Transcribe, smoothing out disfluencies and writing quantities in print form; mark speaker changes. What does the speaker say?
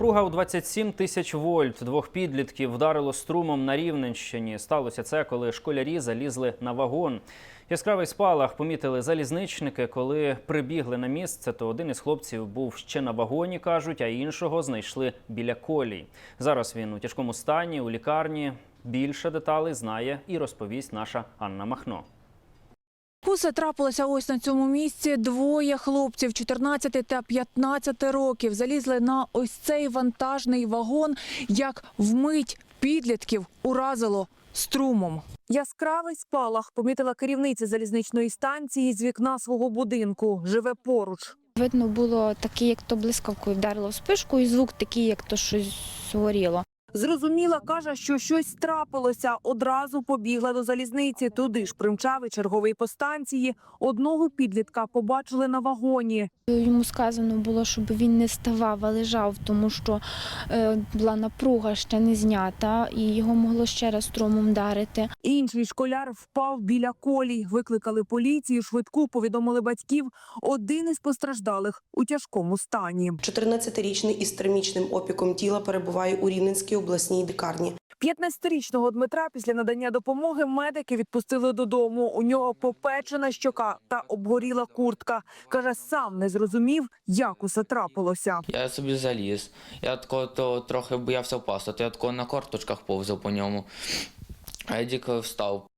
Speaker 1: Напруга у 27 тисяч вольт. Двох підлітків вдарило струмом на Рівненщині. Сталося це, коли школярі залізли на вагон. Яскравий спалах помітили залізничники. Коли прибігли на місце, то один із хлопців був ще на вагоні, кажуть, а іншого знайшли біля колій. Зараз він у тяжкому стані, у лікарні. Більше деталей знає і розповість наша Анна Махно.
Speaker 2: Усе трапилося ось на цьому місці. Двоє хлопців 14 та 15 років залізли на ось цей вантажний вагон, як вмить підлітків уразило струмом. Яскравий спалах помітила керівниця залізничної станції з вікна свого будинку. Живе поруч.
Speaker 3: Видно було таке, як то блискавкою вдарило в спишку, і звук такий, як то щось горіло.
Speaker 2: Зрозуміла, каже, що щось трапилося. Одразу побігла до залізниці. Туди ж примчав і черговий по станції. Одного підлітка побачили на вагоні.
Speaker 3: Йому сказано було, щоб він не ставав, а лежав, тому що була напруга ще не знята, і його могло ще раз струмом вдарити.
Speaker 2: Інший школяр впав біля колій. Викликали поліцію, швидку, повідомили батьків. Один із постраждалих у тяжкому стані.
Speaker 4: 14-річний із термічним опіком тіла перебуває у Рівненській обласній лікарні.
Speaker 2: 15-річного Дмитра після надання допомоги медики відпустили додому. У нього попечена щока та обгоріла куртка. Каже, сам не зрозумів, як усе трапилося.
Speaker 5: Я собі заліз. Я трохи боявся впасти, то я на корточках повзав по ньому. А я тільки встав.